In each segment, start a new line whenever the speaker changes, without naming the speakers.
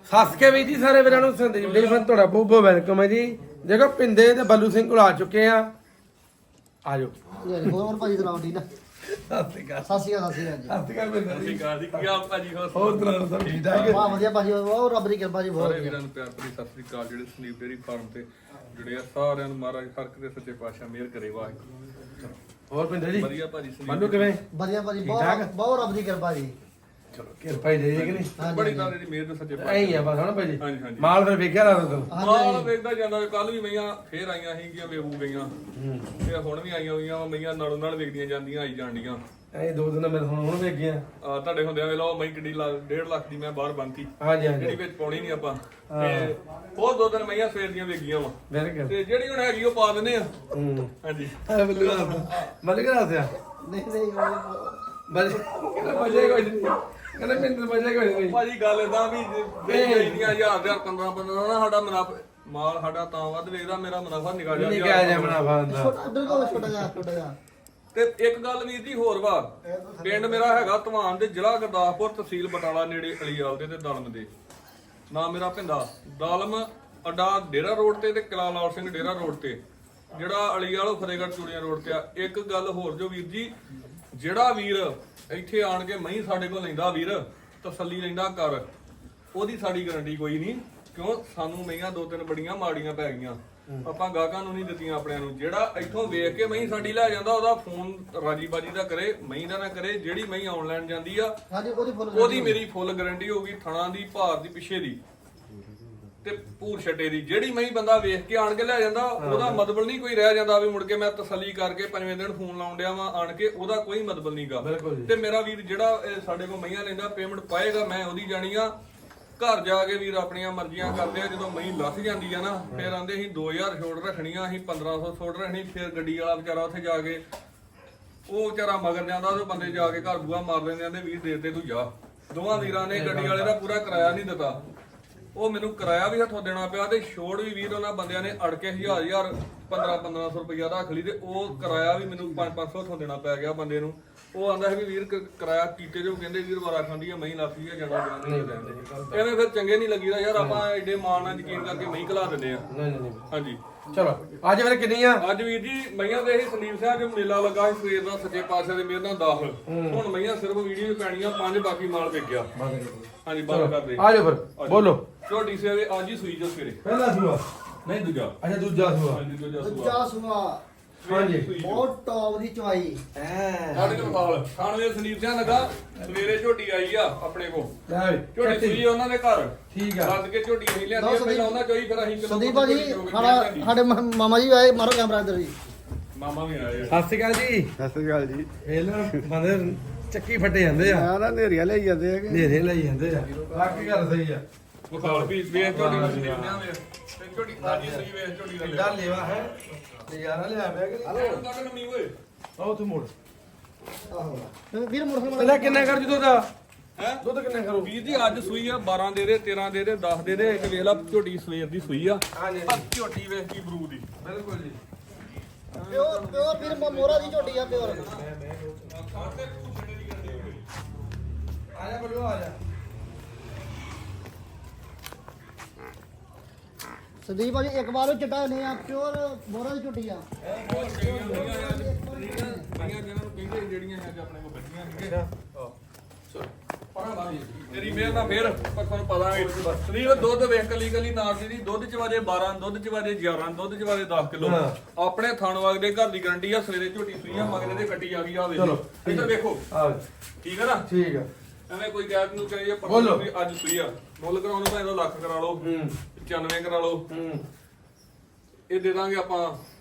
ਸੱਸ ਕੇ ਵੀ ਜੀ ਸਾਰੇ ਵੀਰਾਂ ਨੂੰ ਸੰਦੀਪ ਡੇਅਰੀ ਫਾਰਮ ਤੁਹਾਡਾ ਬਹੁਤ ਬਹੁਤ ਵੈਲਕਮ ਹੈ ਜੀ। ਦੇਖੋ ਪਿੰਦੇ ਤੇ ਬੱਲੂ ਸਿੰਘ ਕੋਲ ਆ ਚੁੱਕੇ ਆ। ਆਜੋ
ਹੋਰ ਭਾਜੀ ਸੁਣਾਓ ਠੀਕ ਆ?
ਸਤਿ ਸ਼੍ਰੀ ਅਕਾਲ।
ਸਤਿ ਸ਼੍ਰੀ ਅਕਾਲ ਜੀ।
ਸਤਿ ਸ਼੍ਰੀ ਅਕਾਲ ਪਿੰਦਰ ਜੀ।
ਕੀ ਹਾਲ ਭਾਜੀ?
ਹੋਰ ਤਰ੍ਹਾਂ ਸਭ ਠੀਕ ਠਾਕ
ਵਾਹ ਵਧੀਆ ਭਾਜੀ, ਬਹੁਤ ਰੱਬ ਦੀ ਕਿਰਪਾ ਜੀ, ਬਹੁਤ
ਸਾਰੇ
ਵਧੀਆ।
ਵੀਰਾਂ ਨੂੰ ਪਿਆਰ ਭਰੀ ਸਤਿ ਸ੍ਰੀ ਅਕਾਲ। ਜਿਹੜੇ ਸੰਦੀਪ ਡੇਅਰੀ ਫਾਰਮ ਤੇ ਜੁੜੇ ਆ ਸਾਰਿਆਂ ਨੂੰ ਮਹਾਰਾਜ ਹਰ ਇੱਕ ਦੇ ਸੱਚੇ ਪਾਤਸ਼ਾਹ ਮਿਹਰ ਕਰੇ। ਵਾਹਿਗੁਰੂ।
ਹੋਰ ਪਿੰਦਰ ਜੀ
ਵਧੀਆ ਭਾਜੀ ਸੰਦੀਪ
ਮੰਨੂ ਕਿਵੇਂ?
ਵਧੀਆ ਭਾਜੀ,
ਠੀਕ ਠਾਕ?
ਬਹੁਤ ਰੱਬ ਦੀ ਕਿਰਪਾ ਜੀ।
ਚਲੋ ਕਿਰਪਾ ਹੀ ਦੇ ਕਿ ਨਹੀਂ?
ਹਾਂਜੀ,
ਬੜੀ ਤਰ੍ਹਾਂ ਦੀ ਮਿਹਰ ਦੇ ਸੱਚੇ
ਐਂ ਹੀ ਆ ਬਸ ਹਣਾ ਭਾਜੀ।
ਹਾਂਜੀ, ਹਾਂਜੀ।
ਮਾਲ ਫਿਰ ਵੇਖਿਆ ਲਾ ਤੂੰ।
ਮਾਲ ਵੇਖਦਾ ਜਾਂਦਾ। ਕੱਲ ਵੀ ਮਈਆਂ ਫੇਰ ਆਈਆਂ ਸੀਗੀਆਂ, ਵੇਹੂ ਗਈਆਂ ਤੇ ਹੁਣ ਵੀ ਆਈਆਂ ਹੋਈਆਂ ਮਈਆਂ ਨਾਲੋਂ ਨਾਲ ਵੇਖਦੀਆਂ ਜਾਂਦੀਆਂ, ਆਈ ਜਾਣੀਆਂ।
ਐਂ ਦੋ ਦਿਨ ਮੇਰੇ ਹੁਣ ਵੇਖ ਗਿਆ।
ਤੁਹਾਡੇ ਹੁੰਦਿਆਂ ਵੇਲਾ ਉਹ ਮਈ ਕਿੱਡੀ 1.5 ਲੱਖ ਦੀ ਮੈਂ ਬਾਹਰ ਬੰਨਤੀ,
ਹਾਂਜੀ ਹਾਂਜੀ
ਜਿਹੜੀ ਵਿੱਚ ਪਾਉਣੀ ਨਹੀਂ ਆਪਾਂ। ਤੇ ਉਹ ਦੋ ਦਿਨ ਮਈਆਂ ਸਵੇਰ ਦੀਆਂ ਵੇਖੀਆਂ ਵਾ,
ਬਿਲਕੁਲ।
ਤੇ ਜਿਹੜੀ ਹੁਣ ਹੈਗੀ ਉਹ ਪਾ ਦਿੰਦੇ ਆ। ਹਾਂਜੀ
ਬੱਲੂ ਮਲਿਕ ਰਾਸਿਆ
ਨਹੀਂ ਉਹ
ਬਜੇ ਕੋਈ ਨਹੀਂ ਕਹਿੰਦਾ ਪਿੰਦਰ ਬਜੇ ਕੋਈ ਨਹੀਂ।
ਭਾਜੀ ਗੱਲ ਏਦਾਂ ਵੀ ਵੇਚਦੀਆਂ 1000 ਦੇ 15 ਨਾ ਸਾਡਾ ਮੁਨਾਫਾ ਮਾਲ ਸਾਡਾ ਤਾਂ ਵੱਧ ਵੇਚਦਾ, ਮੇਰਾ ਮੁਨਾਫਾ ਨਿਕਲ
ਨਹੀਂ ਕਿਹਾ ਜਾ ਮੁਨਾਫਾ ਹੁੰਦਾ।
ਛੋਟਾ ਜਿਹਾ
ਤੇ ਇੱਕ ਗੱਲ ਵੀਰ ਜੀ ਹੋਰ ਵਾ, ਪਿੰਡ ਮੇਰਾ ਹੈਗਾ ਧਵਾਨ ਦੇ, ਜ਼ਿਲ੍ਹਾ ਗੁਰਦਾਸਪੁਰ, ਤਹਿਸੀਲ ਬਟਾਲਾ, ਨੇੜੇ ਅਲੀਵਾਲ ਦੇ ਤੇ ਦਲਮ ਦੇ। ਨਾ ਮੇਰਾ ਪਿੰਡਾ ਦਲਮ ਅੱਡਾ ਡੇਰਾ ਰੋਡ ਤੇ ਕਿਲਾ ਲਾਲ ਸਿੰਘ ਡੇਰਾ ਰੋਡ ਤੇ, ਜਿਹੜਾ ਅਲੀਵਾਲ ਫਤਿਹਗੜ੍ਹ ਚੂੜੀਆਂ ਰੋਡ ਤੇ ਆ। ਇੱਕ ਗੱਲ ਹੋਰ ਜੋ ਵੀਰ ਜੀ, ਜਿਹੜਾ ਵੀਰ ਇੱਥੇ ਆਣ ਕੇ ਮਹੀਂ ਸਾਡੇ ਕੋਲ ਲੈਂਦਾ ਵੀਰ, ਤਸੱਲੀ ਲੈਂਦਾ ਕਰ, ਉਹਦੀ ਸਾਡੀ ਗਾਰੰਟੀ ਕੋਈ ਨਹੀਂ। ਕਿਉਂ? ਸਾਨੂੰ ਮਹੀਆਂ ਦੋ ਤਿੰਨ ਬੜੀਆਂ ਮਾੜੀਆਂ ਪੈ ਗਈਆਂ, ਆਪਾਂ ਗਾਹਕਾਂ ਨੂੰ ਨਹੀਂ ਦਿੱਤੀਆਂ ਆਪਣਿਆਂ ਨੂੰ। ਜਿਹੜਾ ਇੱਥੋਂ ਵੇਖ ਕੇ ਮਹੀਂ ਸਾਡੀ ਲੈ ਜਾਂਦਾ, ਉਹਦਾ ਫੋਨ ਰਾਜੀ ਬਾਜੀ ਦਾ ਕਰੇ, ਮਹੀਂ ਦਾ ਨਾ ਕਰੇ। ਜਿਹੜੀ ਮਹੀਂ ਆਨਲਾਈਨ ਜਾਂਦੀ ਆ ਉਹਦੀ ਮੇਰੀ ਫੁੱਲ ਗਾਰੰਟੀ ਹੋਊਗੀ, ਥਣਾ ਦੀ, ਭਾਰ ਦੀ, ਪਿੱਛੇ ਦੀ ਤੇ ਭੂਰ ਛੱਡੇ ਦੀ। ਜਿਹੜੀ ਮਹੀਂ ਬੰਦਾ ਵੇਖ ਕੇ ਆਣ ਕੇ ਲੈ ਜਾਂਦਾ, ਉਹਦਾ ਮਤਲਬ ਨਹੀਂ ਕੋਈ ਰਹਿ ਜਾਂਦਾ ਵੀ ਮੁੜ ਕੇ ਮੈਂ ਤਸੱਲੀ ਕਰਕੇ ਪੰਜਵੇਂ ਦਿਨ ਫੋਨ ਲਾਉਣ ਡਿਆ ਵਾਂ ਆਣ ਕੇ, ਉਹਦਾ ਕੋਈ ਮਤਲਬ ਨਹੀਂਗਾ। ਤੇ ਮੇਰਾ ਵੀਰ ਜਿਹੜਾ ਸਾਡੇ ਕੋਲ ਮਹੀਆਂ ਲੈਂਦਾ, ਪੇਮੈਂਟ ਪਾਏਗਾ, ਮੈਂ ਉਹਦੀ ਜਾਣੀ ਆ। ਘਰ ਜਾ ਕੇ ਵੀਰ ਆਪਣੀਆਂ ਮਰਜ਼ੀਆਂ ਕਰਦੇ ਆ। ਜਦੋਂ ਮਹੀਂ ਲੱਥ ਜਾਂਦੀ ਆ ਨਾ, ਫਿਰ ਆਂਦੇ ਅਸੀਂ 2000 ਛੋੜ ਰੱਖਣੀਆਂ, ਅਸੀਂ 1500 ਛੋੜ ਰੱਖਣੀ। ਫਿਰ ਗੱਡੀ ਵਾਲਾ ਵਿਚਾਰਾ ਉੱਥੇ ਜਾ ਕੇ ਉਹ ਵਿਚਾਰਾ ਮਗਰ ਜਾਂਦਾ, ਉਹ ਬੰਦੇ ਜਾ ਕੇ ਘਰ ਬੂਹਾ ਮਾਰ ਲੈਂਦੇ, ਆਂਦੇ ਵੀਰ ਦੇ ਤੇ ਤੂੰ ਜਾ। ਦੋਵਾਂ ਵੀਰਾਂ ਨੇ ਗੱਡੀ ਵਾਲੇ ਦਾ ਪੂਰਾ ਕਿਰਾਇਆ ਨਹੀਂ ਦਿੱਤਾ, ਉਹ ਮੈਨੂੰ ਕਿਰਾਇਆ ਵੀ ਹੱਥੋਂ ਦੇਣਾ ਪਿਆ, ਤੇ ਛੋੜ ਵੀ ਵੀਰ ਉਹਨਾਂ ਬੰਦਿਆਂ ਨੇ ਅੜ ਕੇ 1000 1500 ਰੁਪਇਆ ਰੱਖ ਲਈ, ਤੇ ਉਹ ਕਿਰਾਇਆ ਵੀ ਮੈਨੂੰ 500 ਹੱਥੋਂ ਦੇਣਾ ਪੈ ਗਿਆ ਬੰਦੇ ਨੂੰ। ਉਹ ਆਂਦਾ ਹੈ ਵੀ ਵੀਰ ਕਿਰਾਇਆ ਕੀਤੇ ਜੋ, ਕਹਿੰਦੇ ਵੀਰ ਵਾਰਾ ਖਾਂਦੀ ਆ, ਮਹੀਂ ਲੱਥੀ ਆ, ਜਾਣਾ ਨਹੀਂ ਲੈਂਦੇ। ਐਵੇਂ ਫਿਰ ਚੰਗੇ ਨਹੀਂ ਲੱਗੀਦਾ ਯਾਰ, ਆਪਾਂ ਐਡੇ ਮਾਣ ਨਾਲ ਯਕੀਨ ਕਰਕੇ ਮਹੀਂ ਘਲਾ ਦਿੰਦੇ ਆ। ਹਾਂਜੀ
ਚਲੋ ਅੱਜ ਫਿਰ ਕਿੰਨੀ ਆ?
ਅੱਜ ਵੀਰ ਜੀ ਮਈਆਂ ਦੇ ਇਹ ਸੰਦੀਪ ਸਿੰਘ ਜੋ ਮੇਲਾ ਲੱਗਾ ਸੀ ਸਵੇਰ ਦਾ, ਸੱਚੇ ਪਾਤਸ਼ਾਹ ਦੇ ਮਿਹਰ ਨਾਲ ਦਾਖਲ। ਹੁਣ ਮਈਆਂ ਸਿਰਫ ਵੀਡੀਓ ਪੈਣੀਆਂ 5, ਬਾਕੀ ਮਾਲ ਵਿਕ ਗਿਆ। ਹਾਂਜੀ ਬੰਦ ਕਰ ਦੇ।
ਆਜੋ ਫਿਰ ਬੋਲੋ।
ਝੋਟੀ ਸਵੇਰੇ ਅੱਜ ਹੀ ਸੂਈ ਜੋ ਸਵੇਰੇ।
ਪਹਿਲਾ ਸੂਆ
ਨਹੀਂ ਦੂਜਾ।
ਅੱਛਾ ਦੂਜਾ ਸੂਆ।
ਹਾਂਜੀ ਦੂਜਾ ਸੂਆ।
ਦੂਜਾ ਸੁਆ
ਹਾਂਜੀ
ਬਹੁਤ ਟੌਪ ਦੀ ਚਵਾਈ।
ਸਾਡੇ ਕੋਲ ਮਾਲ ਖਾਣਵੇ ਸੰਦੀਪ ਸਿੰਘ ਲਗਾ ਸਵੇਰੇ ਝੋਟੀ ਆਈ ਆ ਆਪਣੇ ਕੋਲ।
ਲੈ ਵੀ
ਝੋਟੀ ਸੂਈ ਉਹਨਾਂ ਦੇ ਘਰ।
ਠੀਕ ਆ।
ਲੱਦ ਕੇ ਝੋਟੀ ਅਸੀਂ ਲਿਆਂਦੀ, ਪਹਿਲਾਂ ਉਹਨਾਂ ਚੋਈ, ਫਿਰ ਅਸੀਂ
ਸੰਦੀਪ ਭਾਜੀ ਸਾਡੇ ਮਾਮਾ ਜੀ ਆਏ, ਮਾਰੋ ਕੈਮਰਾ ਇੱਧਰ ਜੀ।
ਮਾਮਾ ਵੀ ਆਏ ਆ।
ਸਤਿ ਸ਼੍ਰੀ ਅਕਾਲ ਜੀ।
ਸਤਿ ਸ੍ਰੀ ਅਕਾਲ ਜੀ।
ਇਹ ਨਾ ਬੰਦੇ ਚੱਕੀ ਫੱਟੇ ਜਾਂਦੇ ਆ,
ਆ ਨਾ ਨੇਰੀਆਂ ਲਈ ਜਾਂਦੇ ਆ ਕਿ
ਨੇਰੇ ਲਈ ਜਾਂਦੇ ਆ। ਬਾਕੀ ਗੱਲ ਸਹੀ ਆ।
ਬਖਾਲ ਵੀ ਵੇਖ ਝੋਟੀ ਨੂੰ ਸੰਦੀਪ ਸਿੰਘ ਵੇਖ ਤੇ ਝੋਟੀ ਸਾਜੀ ਸਹੀ ਵੇਖ ਝੋਟੀ ਦਾ।
ਇਹਦਾ ਲੇਵਾ ਹੈ ਨਜ਼ਾਰਾ ਲਿਆ ਪਿਆ ਕਿ
ਹਲੋ ਕੱਢ ਨਮੀ ਓਏ।
ਆਓ ਤੂੰ ਮੋੜ।
ਵੀਰ ਮੁਰਖ
ਇਹਦਾ ਕਿੰਨਾ ਕਰ ਜੂ ਦਾ?
ਹੈ
ਦੁੱਧ ਕਿੰਨਾ ਕਰੂ?
ਵੀਰ ਜੀ ਅੱਜ ਸੂਈ ਆ 12 ਦੇ ਦੇ, 13 ਦੇ ਦੇ, 10 ਦੇ ਦੇ। ਇੱਕ ਵੇਖ ਲਾ ਝੋਟੀ ਸਵੇਰ ਦੀ ਸੂਈ ਆ।
ਹਾਂਜੀ
ਆ ਝੋਟੀ ਵੇਖ ਕੀ ਬਰੂ ਦੀ।
ਬਿਲਕੁਲ ਜੀ।
ਪਿਓਰ ਵੀਰ ਮੋਰਾ ਦੀ ਝੋਟੀ ਆ, ਪਿਓਰ।
ਆ ਜਾ ਬਲੂ ਆ ਜਾ।
ਸੰਦੀਪ ਭਾਜੀ ਇੱਕ ਵਾਰ ਉਹ ਚਟਾ ਨਹੀਂ ਆ, ਪਿਓਰ ਮੋਰਾ ਦੀ ਝੋਟੀ ਆ।
ਜਿਹੜੀਆਂ ਅੱਜ ਆਪਣੇ ਕੋਲ ਬੱਚੀਆਂ ਸੀਗੇ। ਤੇਰੀ ਮਿਹਰ ਨਾਲ ਫੇਰ ਪਰ ਤੁਹਾਨੂੰ ਪਤਾ ਹੈ ਸਰੀਰ ਦੁੱਧ ਵੇਖ ਕਲੀ ਕਲੀ ਨਾਰ ਦੀ ਦੁੱਧ ਚ ਵਾਜੇ 12, ਦੁੱਧ ਚ ਵਾਜੇ 11, ਦੁੱਧ ਚ ਵਾਜੇ 10 ਕਿਲੋ। ਆਪਣੇ ਥਣ ਵਾਗਦੇ ਘਰ ਦੀ ਗਾਰੰਟੀ ਆ। ਸਵੇਰੇ ਝੋਟੀ ਸੂਈ ਆ, ਮਗਰੇ ਦੇ ਕੱਟੀ ਆ ਗਈ ਆ। ਵੇਖੋ ਇੱਧਰ ਵੇਖੋ। ਠੀਕ ਹੈ ਨਾ? ਠੀਕ ਆ। ਐਵੇਂ ਕੋਈ ਗੈਪ ਨੂੰ ਕਹੇ ਪਰ ਵੀ ਅੱਜ ਸੂਈ ਆ। ਮੁੱਲ ਕਰਾਉਣ ਨੂੰ ਭਾਵੇਂ ਲੱਖ ਕਰਾ ਲਓ, 95 ਕਰਾ ਲਓ, ਇਹ ਦੇ ਦਾਂਗੇ ਆਪਾਂ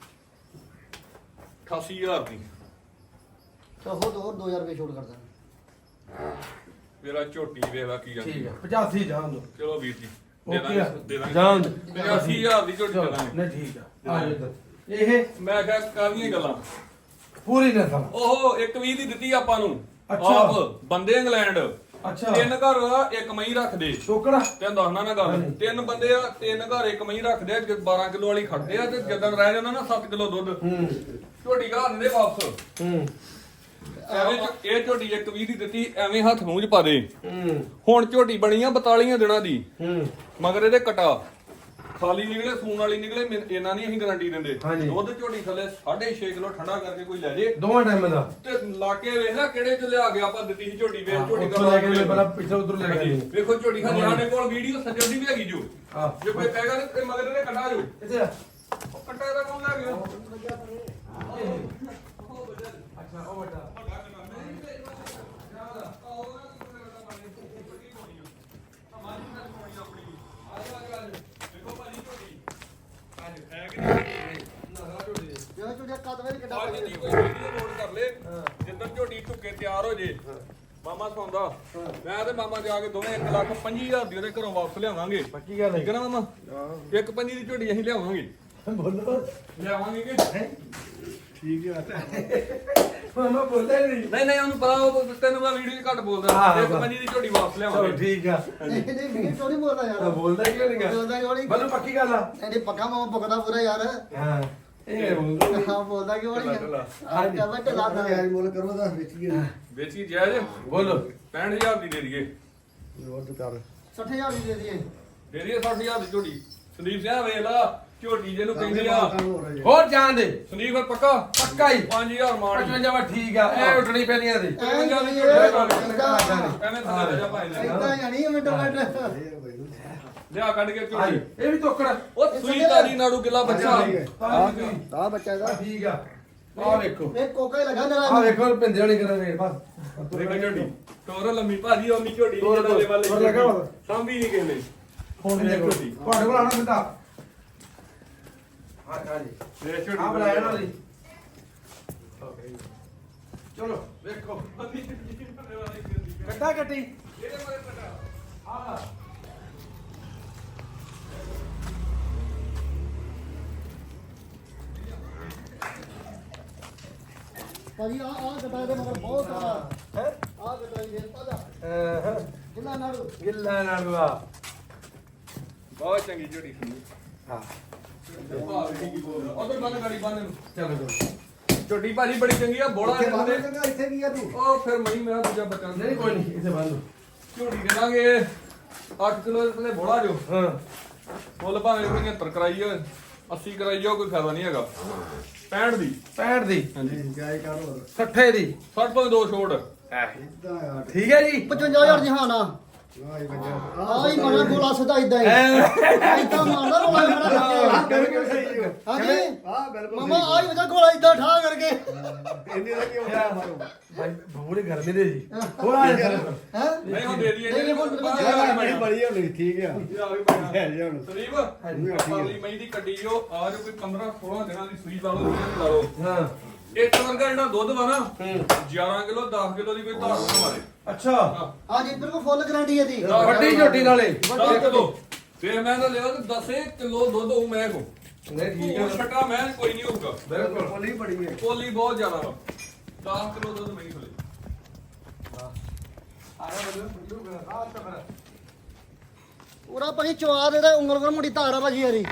88000 ਦੀ।
ਤਾਂ ਹੋਰ 2000 ਰੁਪਏ ਛੋੜ ਕਰ ਦਾਂਗੇ।
ਮੇਰਾ ਝੋਟੀ ਵੇਖਦਾ ਕੀ ਜਾਂਦੀ।
ਠੀਕ ਆ 85 ਜਾਣ ਦੋ।
ਚਲੋ ਵੀਰ ਜੀ ਦੇ
ਓਕੇ
ਦਾਂਗੇ
ਜਾਣ ਦੋ।
85000 ਦੀ ਝੋਟੀ ਦੇ ਦਾਂਗੇ।
ਨਹੀਂ ਠੀਕ ਆ। ਆ ਜਾ ਇੱਧਰ। ਇਹ
ਮੈਂ ਕਿਹਾ ਕਾਹਦੀਆਂ ਗੱਲਾਂ।
ਪੂਰੀ ਨਾ ਸਮ।
ਉਹ 120 ਦੀ ਦਿੱਤੀ ਆਪਾਂ ਨੂੰ।
ਅੱਛਾ।
ਆਪ ਬੰਦੇ ਇੰਗਲੈਂਡ।
ਅੱਛਾ।
3 ਘਰ ਆ, 1 ਮਹੀਂ ਰੱਖਦੇ।
ਟੋਕੜਾ
ਤੈਨੂੰ ਦੱਸਣਾ ਨਾ ਗੱਲ। 3 ਬੰਦੇ ਆ, 3 ਘਰ 1 ਮਹੀਂ ਰੱਖਦੇ ਆ। 12 ਕਿਲੋ ਵਾਲੀ ਖੜਦੇ ਆ, ਤੇ ਜਦੋਂ ਰਹਿ ਜਾਂਦਾ ਨਾ 7 ਕਿਲੋ ਦੁੱਧ ਝੋਟੀ ਘਰ ਦਿੰਦੇ ਵਾਪਸ। ਐਵੇਂ ਇਹ ਝੋਟੀ ਇੱਕ 20 ਦੀ ਦਿੱਤੀ ਐਵੇਂ ਹੱਥ ਮੂੰਹ 'ਚ ਪਾ ਦੇ
ਹੂੰ
ਹੁਣ ਝੋਟੀ ਬਣੀ ਆ 42 ਦਿਨਾਂ ਦੀ
ਹੂੰ
ਮਗਰ ਇਹਦੇ ਕਟਾ ਖਾਲੀ ਨਿਕਲੇ ਸੂਣ ਵਾਲੀ ਨਿਕਲੇ ਇਹਨਾਂ ਨਹੀਂ ਅਸੀਂ ਗਾਰੰਟੀ ਦਿੰਦੇ
ਹਾਂਜੀ।
ਦੁੱਧ ਝੋਟੀ ਥੱਲੇ 6.5 ਕਿਲੋ ਠੰਡਾ ਕਰਕੇ ਕੋਈ ਲੈ ਜੇ
ਦੋਵਾਂ ਟਾਈਮ ਦਾ
ਤੇ ਲਾਕੇ ਵੇਖ ਨਾ ਕਿਹੜੇ ਚ ਲਿਆ ਗਿਆ ਆਪਾਂ ਦਿੱਤੀ ਸੀ ਝੋਟੀ ਵੇਖ ਝੋਟੀ
ਉੱਥੋਂ ਲੈ ਕੇ ਮੈਂ ਪਹਿਲਾਂ ਪਿੱਛੇ ਉਧਰ ਲੈ ਕੇ
ਵੇਖੋ ਝੋਟੀ ਖਾਲੀ ਸਾਡੇ ਕੋਲ ਵੀਡੀਓ ਸੱਜਣ ਦੀ ਵੀ ਹੈਗੀ ਜੋ
ਹਾਂ
ਜੇ ਕੋਈ ਕਹੇਗਾ ਤੇ ਮਗਰ ਇਹਦੇ ਕੱਟਾ ਜੋ
ਇੱਥੇ ਆ।
ਉਹ ਕੱਟਾ ਇਹਦਾ ਕੌਣ ਲੈ ਗਿਆ
ਅੱਛਾ ਉਹ ਵੱਡਾ
ਜਿਹੜਾ ਝੋਟੀਆਂ ਕੱਦ ਵੇਲੇ ਕਿੱਡਾ
ਅੱਜ
ਪਾਈ
ਦੀ ਕੋਈ ਵੀਡੀਓ ਲੋਡ ਕਰ ਲੈ ਜਿੱਦਾਂ ਝੋਟੀ ਢੁੱਕੇ ਤਿਆਰ ਹੋ ਜੇ ਮਾਮਾ ਸੌਂਦਾ ਮੈਂ ਤੇ ਮਾਮਾ ਜਾ ਕੇ ਦੋਵੇਂ 1,25,000 ਦੀ ਉਹਦੇ ਘਰੋਂ ਵਾਪਸ ਲਿਆਵਾਂਗੇ
ਪੱਕੀ ਗੱਲ
ਠੀਕ ਹੈ ਨਾ ਮਾਮਾ ਇੱਕ ਪੰਜੀ ਦੀ ਝੋਟੀ ਅਸੀਂ ਲਿਆਵਾਂਗੇ
ਬੋਲੋ
ਲਿਆਵਾਂਗੇ ਕਿ
ਠੀਕ ਹੈ
ਮਾਮਾ ਬੋਲਦਾ ਨਹੀਂ
ਨਹੀਂ ਨਹੀਂ ਉਹਨੂੰ ਪਤਾ ਉਹ ਤੈਨੂੰ ਮੈਂ ਵੀਡੀਓ 'ਚ ਘੱਟ ਬੋਲਦਾ
ਹਾਂ,
ਇੱਕ
ਹਾਂ।
ਪੰਜੀ ਦੀ ਝੋਟੀ ਵਾਪਸ
ਚਲੋ
ਲਿਆਵਾਂਗੇ
ਠੀਕ ਆ
ਨਹੀਂ ਵੀ ਚੋਰੀ ਬੋਲਦਾ
ਤਾਂ
ਯਾਰ
ਬੋਲਦਾ ਕਿਉਂ ਨਹੀਂ
ਬੋਲਦਾ ਕਿਉਂ ਨਹੀਂ
ਬੋਲੋ ਪੱਕੀ ਗੱਲ ਆ
ਨਹੀਂ ਪੱਕਾ ਮਾਮਾ ਭੁਗਦਾ ਪੂਰਾ ਯਾਰ
ਹਾਂ ਇਹ ਬੋਲਦਾ
ਹਾਂ ਬੋਲਦਾ ਕਿਉਂ ਨਹੀਂ
ਹਾਂਜੀ।
ਕਹਿੰਦਾ ਢਿੱਲਾ ਦਾ
ਯਾਰ ਮੁੱਲ ਕਰੋ ਤਾਂ ਵੇਚੀਏ
ਵੇਚੀ ਜਾਇਜ਼
ਬੋਲੋ
65000 ਦੀ ਦੇ ਦਈਏ
ਹੋਰ ਤਾਂ ਕਰ
60000 ਦੀ ਦੇ ਦਈਏ
ਦੇ ਦਈਏ 60000 ਦੀ ਝੋਟੀ ਸੰਦੀਪ ਸਿੰਘ ਵੇਖ ਲਾ ਝੋਟੀ ਜਿਹਨੂੰ ਕਹਿੰਦੀ ਆ
ਹੋਰ ਜਾਣ ਦੇ
ਸੰਦੀਪ ਫਿਰ ਪੱਕਾ
ਪੱਕਾ ਹੀ
5000 ਮਾਰ
55 ਵਾ ਠੀਕ ਆ ਇਹ ਉੱਡਣੀ ਪੈਣੀ ਆ ਤੇ
ਐਵੇਂ
ਐਂ
ਥੱਲੇ ਜਾ ਭਾਈ ਨੇ
ਇਦਾਂ ਜਾਣੀ ਮਿੰਟ ਮਿੰਟ
ਲਿਆ ਕੱਢ ਕੇ ਝੋਟੀ
ਹਾਂਜੀ ਇਹ ਵੀ ਤੋਕੜ
ਉਹ ਸੂਈ ਤਾਰੀ ਨਾੜੂ ਕਿਲਾ ਬੱਚਾ
ਆ ਬੱਚਾ ਇਹਦਾ
ਠੀਕ ਆ ਆ ਵੇਖੋ
ਇਹ ਕੋਕਾ ਹੀ ਲਗਾ
ਆ
ਨਰਾ
ਵੇਖੋ ਪਿੰਦੇ ਵਾਲੀ ਕਰਾਂ ਰੇਟ ਬਸ
ਦੇਖੋ ਝੋਟੀ ਤੋਰ ਲੰਮੀ ਭਾਜੀ ਉਹਨੀ ਝੋਟੀ
ਤੋਰ
ਨਹੀਂ ਜਿਹਦੇ
ਤੋਰ ਲੱਗਾ ਵਾ।
ਵਾਲੇ ਸਾਂਭੀ ਨਹੀਂ ਕਿਸੇ ਨੇ
ਹੁਣ ਦੇਖੋ ਤੁਹਾਡੇ ਕੋਲ ਆਣਾ ਬਿੰਦਾ ਹਾਂ ਹਾਂਜੀ
ਇਹ ਝੋਟੀ
ਆ ਬੁਲਾਇਆ ਨਾ ਜੀ ਚਲੋ ਵੇਖੋ ਕੱਟਾ ਕੱਟੀ
ਇਹਦੇ ਬਾਰੇ ਪਤਾ
ਆ
ਭਾਜੀ ਆ ਕਟਾ ਦੇ ਮਗਰ ਬਹੁਤ ਸਾਰਾ
ਹੈ
ਆ ਕਟਾ ਹੀ ਦੇ ਤਾਜਾ
ਹਾਂ
ਕਿੰਨਾ ਨਾੜੂ
ਗਿੱਲਾ ਨਾਲ ਆ
ਬਹੁਤ ਚੰਗੀ ਝੋਟੀ ਸੀ
ਹਾਂ
ਉਧਰ ਬੰਨ ਗਾੜੀ ਬੰਨ ਨੂੰ
ਚਲੋ ਚਲੋ
ਝੋਟੀ ਭਾਜੀ ਬੜੀ ਚੰਗੀ ਆ ਬੋਲਾ
ਇੱਥੇ ਬਾਹਰ
ਇਹਦੇ
ਚੰਗਾ ਇੱਥੇ ਕੀ ਆ ਤੂੰ
ਉਹ ਫਿਰ ਮਈ ਮੇਰਾ ਦੂਜਾ ਬੱਚਾ
ਨਹੀਂ ਕੋਈ ਨਹੀਂ ਇੱਥੇ ਬੰਦ
ਝੋਟੀ ਦੇ ਦਾਂਗੇ 8 ਕਿਲੋ ਦੇ ਬੋਲਾ ਜੋ
ਹਾਂ
ਫੁੱਲ ਭਾਵੇਂ 75 ਕਰਾਈ ਆ 80 ਕਰਾਈ ਆ ਕੋਈ ਫਾਇਦਾ ਨਹੀਂ ਹੈਗਾ 65 ਦੀ
65 ਦੀ
ਹਾਂਜੀ
ਜਾਇ ਕਰ ਹੋਰ
60 ਦੀ
60 ਤੋਂ ਦੋ ਛੋੜ
ਇਦਾਂ ਆ
ਠੀਕ ਹੈ ਜੀ
55000 ਦੀ ਹਾਂ ਨਾ
ਆਈ ਬੱਚਾ
ਆ ਹੀ ਮਣਾ ਗੋਲਾ ਸਿੱਧਾ ਇਦਾਂ ਹੀ ਇਦਾਂ ਮਾਰਦਾ ਗੋਲਾ ਮੇਰਾ
ਬਿਲਕੁਲ ਸਹੀ ਹੈ
ਹਾਂਜੀ
ਆ ਬਿਲਕੁਲ
ਮਮਾ ਆ ਹੀ ਵਜਾ ਗੋਲਾ ਇਦਾਂ ਠਾ ਕਰਕੇ
ਇੰਨੇ ਦਾ ਕੀ ਹੋਇਆ ਮਾਰੋ
ਭਾਈ ਬੂਰੇ ਗਰਮੀ ਦੇ ਜੀ ਹੋਰ ਆ ਜਾ
ਹੈ
ਨਹੀਂ ਹੁਣ ਦੇ ਦਈਏ
ਨਹੀਂ, ਹੁਣ ਬਿਲਕੁਲ
ਯਾਰ ਬੜੀ ਬੜੀ ਹੋਣੀ ਠੀਕ ਆ ਹੈ ਜੀ ਹੁਣ
ਸਰੀਬ
ਹਾਂਜੀ,
ਪਾਲੀ ਮਈ ਦੀ ਕੱਢੀ ਜੋ ਆ ਜੋ ਕੋਈ 15 16 ਦਿਨਾਂ ਦੀ ਸੂਈ ਲਾ ਲਓ ਲਾ ਲਓ
ਹਾਂ
ਇੱਕ ਵਰਗਾ ਜਿਹੜਾ ਦੁੱਧ ਵਾ ਨਾ
ਹੂੰ
11 ਕਿਲੋ 10 ਕਿਲੋ ਦੀ ਕੋਈ ਧਾਰ ਨਾ ਮਾਰੇ
ਅੱਛਾ
ਹਾਂ ਜੀ ਬਿਲਕੁਲ ਫੁੱਲ ਗਾਰੰਟੀ ਹੈ ਦੀ
ਵੱਡੀ ਝੋਟੀ ਨਾਲੇ
10 ਕਿਲੋ ਫੇਰ ਮੈਂ ਤਾਂ ਲਿਆ ਤੇ 10 ਕਿਲੋ ਦੁੱਧ ਹੋਊ ਮੈਂ ਕੋ
ਨਹੀਂ ਠੀਕ
ਉਹ
ਹੈ
ਛੱਟਾ ਮੈਂ ਕੋਈ ਨਹੀਂ ਹੋਊਗਾ
ਬਿਲਕੁਲ
ਬੋਲੀ ਬੜੀ ਹੈ
ਕੋਲੀ ਬਹੁਤ ਜ਼ਿਆਦਾ ਵਾ 10 ਕਿਲੋ ਦੁੱਧ ਮੈਂ ਖਲੇ
ਆਇਆ ਬੰਦੂ ਰਾਤ ਤੱਕ
ਪੂਰਾ ਭਾਜੀ ਚਵਾ ਦੇ ਤਾਂ ਉਂਗਲ ਕੋਲ ਮੁੰਡੀ ਧਾਰ ਆ ਭਾਜੀ ਯਾਰੀ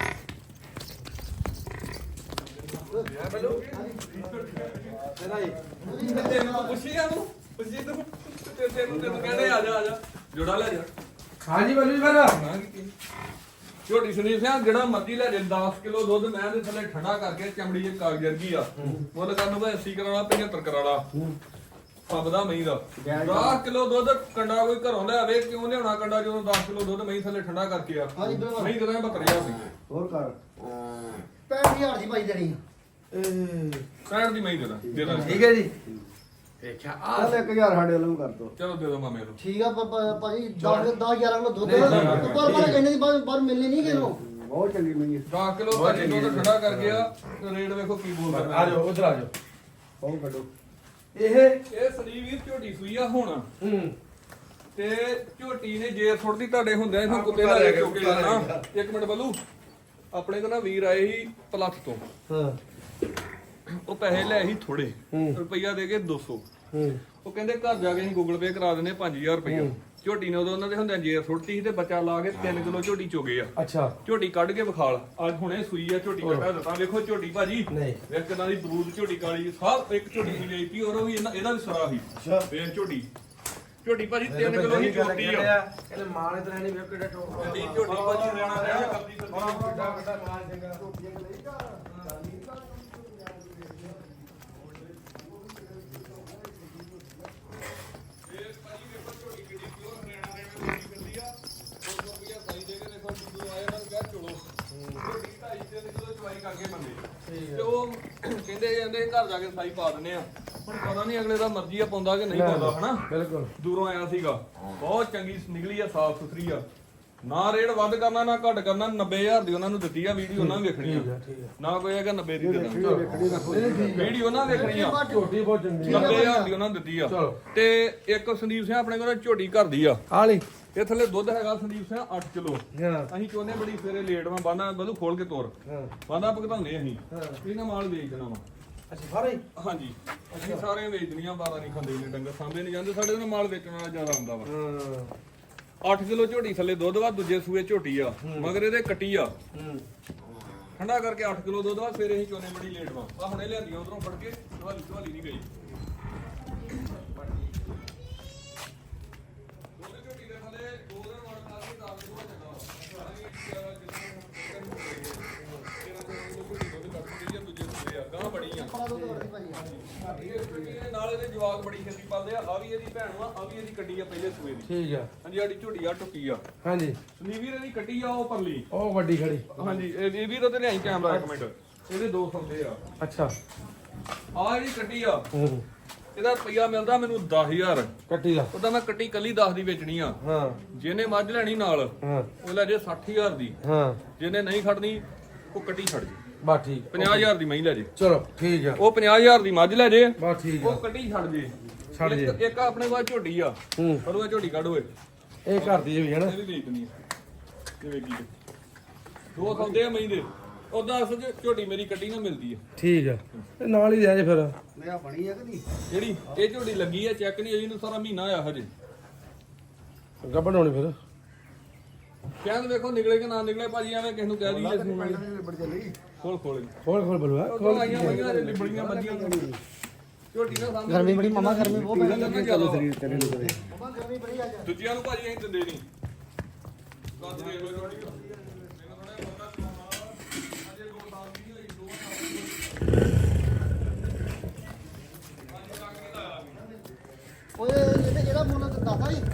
ਤੇਰਾ ਹੀ
ਤੈਨੂੰ ਪੁੱਛੀ ਆ ਨੂੰ ਪੁੱਛੀ ਤੂੰ ਤੈਨੂੰ ਕਹਿੰਦੇ ਆ ਜਾ ਜੋੜਾ ਲੈ ਜਾ
ਹਾਂਜੀ ਬੱਲੂ ਜੀ ਬਣਾ
ਨਾ ਕੀਤੀ ਝੋਟੀ ਸੁਨੀਲ ਸਿੰਘ ਜਿਹੜਾ ਮਰਜ਼ੀ ਲੈ ਜੇ 10 ਕਿਲੋ ਦੁੱਧ ਮੈਂ ਦੇ ਥੱਲੇ ਠੰਡਾ ਕਰਕੇ ਚਮੜੀ ਦੇ ਕਾਗਜ਼ ਵਰਗੀ ਆ ਮੁੱਲ ਕਰਨ ਨੂੰ 80 ਕਰਾਣਾ 75 ਕਰਾਣਾ ਸਭ ਦਾ ਮਹੀਂ ਦਾ 10 ਕਿਲੋ ਦੁੱਧ ਕੰਡਾ ਕੋਈ ਘਰੋਂ ਲੈ ਆਵੇ ਕਿਉਂ ਲਿਆਉਣਾ ਕੰਡਾ ਜਦੋਂ 10 ਕਿਲੋ ਦੁੱਧ ਮਹੀਂ ਥੱਲੇ ਠੰਡਾ ਕਰਕੇ ਆ
ਹਾਂਜੀ ਬਿਲਕੁਲ
ਮਹੀਂ ਦੇ 72000 ਦੀ
ਹੋਰ ਕਰ
65000 ਦੀ ਭਾਈ ਦੇਣੀ
60 ਦੀ ਮਹੀਂ ਦੇ ਦਾਂ
ਠੀਕ ਹੈ ਜੀ ਦੇਖਿਆ ਆ
ਚੱਲ 1000 ਸਾਡੇ ਵੱਲੋਂ ਕਰ ਦੋ
ਚਲੋ ਦੇ ਦੋ ਮਾਮੇ ਨੂੰ
ਠੀਕ ਆ ਭਾਜੀ 10 11 ਕਿਲੋ ਦੁੱਧ ਪਰ ਕਹਿੰਦੇ ਦੀ ਬਾਹਰ ਮਿਲਣੀ ਨਹੀਂ ਕਿਨੂੰ
ਬਹੁਤ ਚੰਗੀ ਮਈ ਹੈ
10 ਕਿਲੋ ਭਾਜੀ ਦੁੱਧ ਠੰਡਾ ਕਰਕੇ ਆ ਤੇ ਰੇਟ ਵੇਖੋ ਕੀ ਬੋਲਦਾ
ਆ ਜਾਓ ਉਧਰ ਆ ਜਾਓ
ਬਹੁਤ ਕੱਢੋ
ਇਹ
ਇਹ ਸਰੀਰ ਝੋਟੀ ਸੂਈ ਆ ਹੁਣ
ਹੂੰ
ਤੇ ਝੋਟੀ ਨੇ ਜੇ ਥੋੜੀ ਤੁਹਾਡੇ ਹੁੰਦਿਆਂ ਇਹਨੂੰ ਕੁੱਤੇ ਨਾਲ ਲੈ ਕੇ ਚੁੱਕੇ ਜਾਣਾ ਇੱਕ ਮਿੰਟ ਬੱਲੂ ਆਪਣੇ ਕੋਲ ਨਾ ਵੀਰ ਆਏ ਸੀ ਪਲੱਥ ਤੋਂ
ਹਾਂ
ਉਹ ਪੈਸੇ ਲੈ ਸੀ ਥੋੜੇ
ਹੂੰ।
ਰੁਪਈਆ ਦੇ ਕੇ 200
ਹੂੰ
ਉਹ ਕਹਿੰਦੇ ਘਰ ਜਾ ਕੇ ਅਸੀਂ ਗੂਗਲ ਪੇ ਕਰਾ ਦਿੰਦੇ 5000 ਰੁਪਈਆ ਝੋਟੀ ਨੇ ਉਦੋਂ ਉਹਨਾਂ ਦੇ ਹੁੰਦਿਆਂ ਜੇਰ ਸੁੱਟਤੀ ਸੀ ਤੇ ਬੱਚਾ ਲਾ ਕੇ 3 ਕਿਲੋ ਝੋਟੀ ਚੋਗੇ ਆ।
ਅੱਛਾ
ਝੋਟੀ ਕੱਢ ਕੇ ਵਿਖਾਲ ਅੱਜ ਹੁਣੇ ਸੂਈ ਆ ਝੋਟੀ ਕੱਢਾ ਦਿੱਤਾ ਵੇਖੋ ਝੋਟੀ ਭਾਜੀ
ਨਹੀਂ
ਵੇਖ ਕਿਦਾਂ ਦੀ ਬਰੂਦ ਝੋਟੀ ਕਾਲੀ ਸਭ ਇੱਕ ਝੋਟੀ ਦੀ ਵੇਚਤੀ ਔਰ ਉਹ ਵੀ ਇਹਦਾ ਵੀ ਸਰਾ ਸੀ ਵੇਖ ਝੋਟੀ ਭਾਜੀ 3 ਕਿਲੋ ਹੀ ਝੋਟੀ ਆ
ਇਹਨੇ ਮਾਲ ਇਧਰ ਨਹੀਂ ਵੇਖ ਕਿਹੜਾ ਟੋਪ
ਝੋਟੀ ਭਾਜੀ ਰਹਿਣਾ ਕਰਦੀ
ਵੱਡਾ ਵੱਡਾ ਮਾਲ ਚੰਗਾ
ਤੇ ਉਹ ਕਹਿੰਦੇ ਜਾਂਦੇ ਘਰ ਜਾ ਕੇ ਸਾਈ ਪਾ ਦਿੰਦੇ ਆ ਹੁਣ ਪਤਾ ਨਹੀਂ ਅਗਲੇ ਦਾ ਮਰਜ਼ੀ ਆ ਪਾਉਂਦਾ ਕਿ ਨਹੀਂ ਪਾਉਂਦਾ ਹਨਾ
ਬਿਲਕੁਲ
ਦੂਰੋਂ ਆਇਆ ਸੀਗਾ ਬਹੁਤ ਚੰਗੀ ਨਿਕਲੀ ਆ ਸਾਫ ਸੁਥਰੀ ਆ ਨਾ ਰੇਟ ਵੱਧ ਕਰਨਾ ਨਾ ਘੱਟ ਕਰਨਾ 90000 ਦੀ ਉਹਨਾਂ ਨੂੰ ਦਿੱਤੀ ਆ ਵੀਡੀਓ ਉਹਨਾਂ ਵੇਖਣੀ ਆ ਨਾ ਕੋਈ ਹੈਗਾ 90 ਦੀ ਦੇਣਾ ਵੀਡੀਓ ਨਾ ਵੇਖਣੀ ਆ
ਝੋਟੀ ਬਹੁਤ ਚੰਗੀ
90000 ਦੀ ਉਹਨਾਂ ਨੂੰ ਦਿੱਤੀ ਆ ਤੇ ਇੱਕ ਸੰਦੀਪ ਸਿੰਘ ਆਪਣੇ ਕੋਲ ਝੋਟੀ ਘਰ ਦੀ ਆ
ਆ ਲਈ
ਇਹ ਥੱਲੇ ਦੁੱਧ ਹੈਗਾ ਸੰਦੀਪ ਸਿੰਘ 8 ਕਿਲੋ
ਹਾਂ
ਅਸੀਂ ਚਾਹੁੰਦੇ ਬੜੀ ਸਵੇਰੇ ਲੇਟ ਵਾਂ ਬਾਂਦਾ ਬਲੂ ਖੋਲ ਕੇ ਤੋਰ
ਹਾਂ
ਬਾਂਦਾ ਭਗਤਾਉਂਦੇ ਅਸੀਂ ਇਹਨਾਂ ਮਾਲ ਵੇਚ ਦੇਣਾ ਵਾ
ਅੱਛਾ ਸਾਰੇ
ਹਾਂਜੀ ਅਸੀਂ ਸਾਰੇ ਵੇਚ ਦਨੀਆਂ 12 ਨਹੀਂ ਖਾਂਦੇ ਨੇ ਡੰਗਰ ਸਾਂਭੇ ਨਹੀਂ ਜਾਂਦੇ ਸਾਡੇ ਨਾਲ ਮਾਲ ਵੇਚਣ ਵਾਲਾ ਜ਼ਿਆਦਾ ਹੁੰਦਾ ਵਾ
ਹਾਂ
8 ਕਿਲੋ ਝੋਟੀ ਥੱਲੇ ਦੁੱਧ ਵਾ ਦੂਜੇ ਸੂਏ ਝੋਟੀ ਆ ਮਗਰ ਇਹਦੇ ਕੱਟੀ ਆ ਠੰਡਾ ਕਰਕੇ 8 ਕਿਲੋ ਦੁੱਧ ਵਾ ਸਵੇਰੇ ਅਸੀਂ ਚੋਨੇ ਬੜੀ ਲੇਟ ਵਾ ਆ ਹੁਣੇ ਲਿਆਂਦੀਆਂ ਉਧਰੋਂ ਫੜ ਕੇ ਦਵਾਲੀ ਨਹੀਂ ਗਈ ਝੋਟੀ ਦੇ ਥੱਲੇ 2 ਦਿਨ ਵੜ ਨਾਲ ਕੇ 10 ਕਿਲੋ ਚੱਗਾ ਗਾਂ ਬੜੀ ਆ ਨਾਲ ਇਹਦੇ ਜਵਾਕ ਬੜੀ ਛੇਤੀ ਪਾਲਦੇ ਆ ਵੀ ਇਹਦੀ ਭੈਣ ਵਾ ਆ ਵੀ ਇਹਦੀ ਕੱਟੀ ਆ ਪਹਿਲੇ ਸੂਏ ਦੀ
ਠੀਕ ਆ
ਹਾਂਜੀ ਸਾਡੀ ਝੋਟੀ ਆ ਟੁੱਕੀ ਆ
ਹਾਂਜੀ
ਸੰਦੀਪ ਇਹਦੀ ਕੱਟੀ ਆ ਉਹ ਪਰਲੀ
ਉਹ ਵੱਡੀ ਖੜੀ
ਹਾਂਜੀ ਇਹ ਵੀ ਤੇ ਲਿਆਈ ਕੈਮਰਾ ਇੱਕ ਮਿੰਟ ਇਹਦੇ 2 ਸੰਦੇ ਆ
ਅੱਛਾ
ਆ ਜਿਹੜੀ ਕੱਟੀ ਆ ਇਹਦਾ ਰੁਪਈਆ ਮਿਲਦਾ ਮੈਨੂੰ 10000
ਕੱਟੀ ਦਾ
ਉਹਦਾ ਮੈਂ ਕੱਟੀ ਕੱਲੀ 10 ਦੀ ਵੇਚਣੀ ਆ
ਹਾਂ
ਜਿਹਨੇ ਮੱਝ ਲੈਣੀ ਨਾਲ
ਹਾਂ
ਉਹ ਲੈ ਜੇ 60000 ਦੀ
ਹਾਂ
ਜਿਹਨੇ ਨਹੀਂ ਖੜਨੀ ਉਹ ਕੱਟੀ ਛੱਡ ਜੇ
ਬਾ ਠੀਕ
50000 ਦੀ ਮਹੀਂ ਲੈ ਜੇ
ਚਲੋ ਠੀਕ ਆ
ਉਹ 50000 ਦੀ ਮੱਝ ਲੈ ਜੇ
ਬਾ ਠੀਕ ਆ
ਉਹ ਕੱਟੀ ਛੱਡ ਜੇ
ਛੱਡ ਜੇ
ਇੱਕ ਆਪਣੇ ਕੋਲ ਝੋਟੀ ਆ
ਹੂੰ
ਪਰ ਉਹ ਝੋਟੀ ਕੱਢ ਓਏ
ਇਹ ਘਰ ਦੀ ਵੀ ਹੈ ਨਾ
ਇਹ ਵੀ ਵੇਚਣੀ ਆ ਇਹ ਵੇਗੀ ਦੋ ਸੌਦੇ ਆ ਮਹੀਂ ਦੇ ਉਦਾਂ ਅਸਲ ਚ ਝੋਟੀ ਮੇਰੀ ਕੱਟੀ ਨਾ ਮਿਲਦੀ ਆ
ਠੀਕ ਆ ਤੇ ਨਾਲ ਹੀ ਲੈ ਜੇ ਫਿਰ
ਮੇਰਾ ਬਣੀ ਹੈ ਕਿ ਨਹੀਂ
ਜਿਹੜੀ ਇਹ ਝੋਟੀ ਲੱਗੀ ਆ ਚੈੱਕ ਨਹੀਂ ਹੋਈ ਇਹਨੂੰ ਸਾਰਾ ਮਹੀਨਾ ਆਇਆ ਹਜੇ
ਗੱਬਣ ਹੋਣੀ ਫਿਰ
ਕਹਿੰਦੇ ਵੇਖੋ ਨਿਕਲੇ ਕਿ ਨਾ ਨਿਕਲੇ ਭਾਜੀ ਐਵੇਂ ਕਿਸ ਨੂੰ ਕਹਿ ਦਈਏ ਅਸੀਂ
ਬੜੀ ਚੱਲੀ
ਖੋਲ ਖੋਲ
ਖੋਲ ਬਲੂਆ
ਖੋਲ ਆਈਆਂ ਮਈਆਂ ਲਿਬੜੀਆਂ ਬੱਜੀਆਂ ਝੋਟੀ ਦਾ ਸਾਹਮਣੇ
ਗਰਮੀ ਬੜੀ ਮਾਮਾ ਗਰਮੀ ਬਹੁਤ ਪੈ
ਲੱਗਣਾ ਜ਼ਿਆਦਾ ਵਾ।
ਤੇਰੇ ਨੂੰ ਕਰੇ
ਮਾਮਾ ਗਰਮੀ ਬੜੀ ਆ ਜਾ
ਦੂਜਿਆਂ ਨੂੰ ਭਾਜੀ ਅਸੀਂ ਦਿੰਦੇ ਨਹੀਂ ਕੱਦ ਦੇਖ ਲਓ ਝੋਟੀ ਦਾ। ਮੈਨੂੰ ਥੋੜ੍ਹਾ ਜਿਹਾ ਪਤਾ ਚਲਾਉਣਾ ਅਜੇ 2 ਸਾਲ ਦੀ ਨਹੀਂ ਹੋਈ 2 ਸਾਲ
ਓਏ ਇਹਦਾ ਮੁੱਲ ਦੱਸਦਾ ਹੀ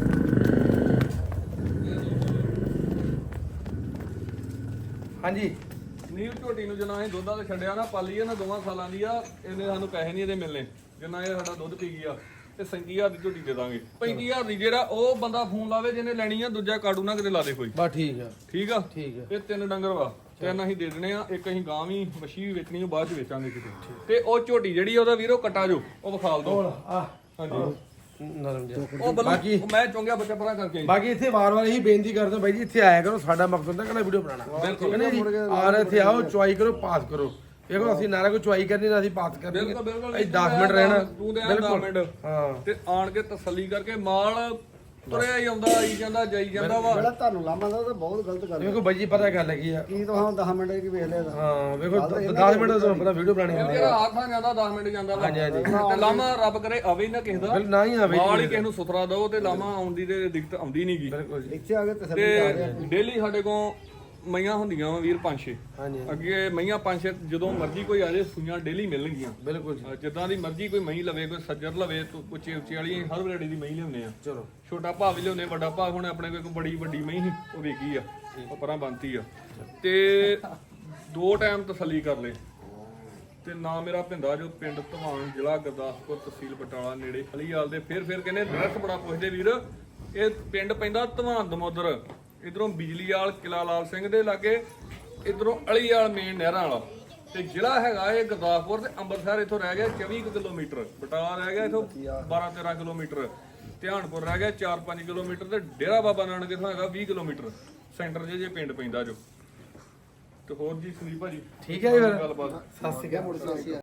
ਹਾਂਜੀ
ਨੀਲ ਝੋਟੀ ਨੂੰ ਜਿੰਨਾ ਅਸੀਂ ਦੁੱਧਾਂ ਤੇ ਛੱਡਿਆ ਨਾ ਪਾਲੀ ਆ ਨਾ 2 ਸਾਲਾਂ ਦੀ ਆ ਇਹਨੇ ਸਾਨੂੰ ਪੈਸੇ ਨਹੀਂ ਇਹਦੇ ਮਿਲਨੇ ਜਿੰਨਾ ਇਹ ਸਾਡਾ ਦੁੱਧ ਪੀ ਗਿਆ ਤੇ 35000 ਦੀ ਝੋਟੀ ਦੇ ਦਾਂਗੇ 35000 ਦੀ ਜਿਹੜਾ ਉਹ ਬੰਦਾ ਫੋਨ ਲਾਵੇ ਜਿਹਨੇ ਲੈਣੀ ਆ ਦੂਜਾ ਕਾੜੂ ਨਾ ਕਿਤੇ ਲਾ ਦੇ ਕੋਈ
ਬਾ ਠੀਕ ਆ
ਠੀਕ ਆ
ਠੀਕ ਆ
ਇਹ 3 ਡੰਗਰ ਵਾ 3 ਅਸੀਂ ਦੇ ਦੇਣੇ ਆ ਇੱਕ ਅਸੀਂ ਗਾਂ ਵੀ ਮੱਛੀ ਵੀ ਵੇਚਣੀ ਆ ਬਾਅਦ ਚ ਵੇਚਾਂਗੇ ਕਿਤੇ ਤੇ ਉਹ ਝੋਟੀ ਜਿਹੜੀ ਆ ਉਹਦਾ ਵੀਰੋ ਕਟਾ ਜੋ ਉਹ ਵਿਖਾਲ ਦੋ
ਹੋਰ ਆ
ਹਾਂਜੀ
ਨਰਮ ਜਿਹਾ
ਉਹ
ਬਾਕੀ
ਉਹ ਮੈਂ ਚੁੰਗਿਆ ਬੱਚਾ ਪਰਾਂ ਕਰਕੇ ਆਈ।
ਬਾਕੀ ਇੱਥੇ ਵਾਰ-ਵਾਰ ਇਹੀ ਬੇਨਤੀ ਕਰਦਾ ਬਾਈ ਜੀ ਇੱਥੇ ਆਇਆ ਕਰੋ ਸਾਡਾ ਮਕਸਦ ਹੁੰਦਾ ਕਿ ਵੀਡੀਓ ਬਣਾਉਣਾ ਕਹਿੰਦੇ ਜੀ ਆ ਰਹੇ ਇੱਥੇ ਆਓ ਚੁਆਈ ਕਰੋ ਪਾਸ ਕਰੋ ਦੇਖੋ ਅਸੀਂ ਨਾ ਕੋਈ ਚੁਆਈ ਕਰਨੀ ਨਾ ਅਸੀਂ ਪਾਸ ਕਰਨੀ
ਬਿਲਕੁਲ ਬਿਲਕੁਲ
ਅਸੀਂ 10 ਮਿੰਟ ਰਹਿਣਾ
ਤੂੰ ਦੇ 10 ਮਿੰਟ
ਹਾਂ
ਤੇ ਆਣ ਕੇ ਤਸੱਲੀ ਕਰਕੇ ਮਾਲ ਤੁਰਿਆ ਹੀ ਆਉਂਦਾ ਆਈ ਜਾਂਦਾ ਜਾਈ ਜਾਂਦਾ ਵਾ
ਜਿਹੜਾ ਤੁਹਾਨੂੰ ਲਾਮਾ ਦਾ ਉਹ ਤਾਂ ਬਹੁਤ ਗਲਤ ਗੱਲ ਹੈ
ਦੇਖੋ ਬਾਈ ਜੀ ਪਤਾ ਗੱਲ ਕੀ ਆ
ਕੀ ਤੁਸੀਂ 10 ਮਿੰਟ ਕੀ ਵੇਖ ਲਿਆ
ਹਾਂ ਵੇਖੋ 10 ਮਿੰਟ ਦਾ ਤੁਹਾਨੂੰ ਪਤਾ ਵੀਡੀਓ ਬਣਾਣੀ ਆ
ਜਿਹੜਾ ਹੱਥ ਆ ਜਾਂਦਾ 10 ਮਿੰਟ ਜਾਂਦਾ ਵਾ
ਹਾਂਜੀ, ਹਾਂਜੀ।
ਤੇ ਲਾਮਾ ਰੱਬ ਕਰੇ ਆਵੇ ਹੀ ਨਾ ਕਿਸੇ ਦਾ
ਨਾ ਹੀ ਆਵੇ
ਮਾਲ ਹੀ ਕਿਸੇ ਨੂੰ ਸੁਥਰਾ ਦਓ ਤੇ ਲਾਮਾ ਆਉਣ ਦੀ ਤੇ ਦਿੱਕਤ ਆਉਂਦੀ ਨਹੀਂਗੀ
ਬਿਲਕੁਲ ਜੀ
ਇੱਥੇ ਆ ਕੇ ਤਸੱਲੀ ਕਰ ਰਿਹਾ
ਤੇ ਡੇਲੀ ਸਾਡੇ ਕੋਲ ਮਈਆਂ ਹੁੰਦੀਆਂ ਵਾ ਵੀਰ 5-6
ਹਾਂਜੀ
ਅੱਗੇ ਮਈਆਂ 5-6 ਜਦੋਂ ਮਰਜ਼ੀ ਕੋਈ ਆ ਜਾਏ ਸੂਈਆਂ ਡੇਲੀ ਮਿਲਣਗੀਆਂ
ਬਿਲਕੁਲ ਜੀ
ਜਿੱਦਾਂ ਦੀ ਮਰਜ਼ੀ ਕੋਈ ਮਹੀਂ ਲਵੇ ਕੋਈ ਸੱਜਰ ਲਵੇ ਉੱਚੇ ਉੱਚੇ ਵਾਲੀ ਹਰ ਵੈਰਾਈਟੀ ਦੀ ਮਹੀਂ ਲਿਆਉਂਦੇ ਆ
ਚਲੋ
ਛੋਟਾ ਭਾਅ ਵੀ ਲਿਆਉਂਦੇ ਵੱਡਾ ਭਾਅ ਹੁਣ ਆਪਣੇ ਕੋਲ ਇੱਕ ਬੜੀ ਵੱਡੀ ਮਹੀਂ ਸੀ ਉਹ ਵੇਗੀ ਆ ਉਹ ਪਰਾਂ ਬੰਨਤੀ ਆ ਤੇ 2 ਟਾਈਮ ਤਸੱਲੀ ਕਰ ਲੈ ਤੇ ਨਾ ਮੇਰਾ ਭਿੰਦਾ ਜੋ ਪਿੰਡ ਧਵਾਨ ਜ਼ਿਲ੍ਹਾ ਗੁਰਦਾਸਪੁਰ ਤਹਿਸੀਲ ਬਟਾਲਾ ਨੇੜੇ ਖਲੀਵਾਲ ਦੇ ਫਿਰ ਕਹਿੰਦੇ ਐਡਰੈਸ ਬੜਾ ਪੁੱਛਦੇ ਵੀਰ ਇਹ ਪਿੰਡ ਪੈਂਦਾ ਧਵਾਨ ਦਮੋਦਰ ਇਧਰੋਂ ਬਿਜਲੀ ਵਾਲ ਕਿਲਾ ਲਾਲ ਸਿੰਘ ਦੇ ਲਾਗੇ ਇਧਰੋਂ ਅਲੀਵਾਲ ਮੇਨ ਨਹਿਰਾਂ ਵਾਲਾ ਤੇ ਜ਼ਿਲ੍ਹਾ ਹੈਗਾ ਇਹ ਗੁਰਦਾਸਪੁਰ ਤੇ ਅੰਮ੍ਰਿਤਸਰ ਇਥੋਂ ਰਹਿ ਗਿਆ 24 ਕਿਲੋਮੀਟਰ ਬਟਾਲਾ ਰਹਿ ਗਿਆ ਇਥੋਂ 12-13 ਕਿਲੋਮੀਟਰ ਧਿਆਨਪੁਰ ਰਹਿ ਗਿਆ 4-5 ਕਿਲੋਮੀਟਰ ਤੇ ਡੇਰਾ ਬਾਬਾ ਨਾਨਕ ਇਥੋਂ ਹੈਗਾ 20 ਕਿਲੋਮੀਟਰ ਸੈਂਟਰ ਜੇ ਪਿੰਡ ਪੈਂਦਾ ਜੋ ਤੇ ਹੋਰ ਜੀ ਸੰਦੀਪ ਭਾਜੀ
ਠੀਕ ਹੈ ਜੀ ਫਿਰ
ਗੱਲਬਾਤ
ਸਤਿ ਸ਼੍ਰੀ ਅਕਾਲ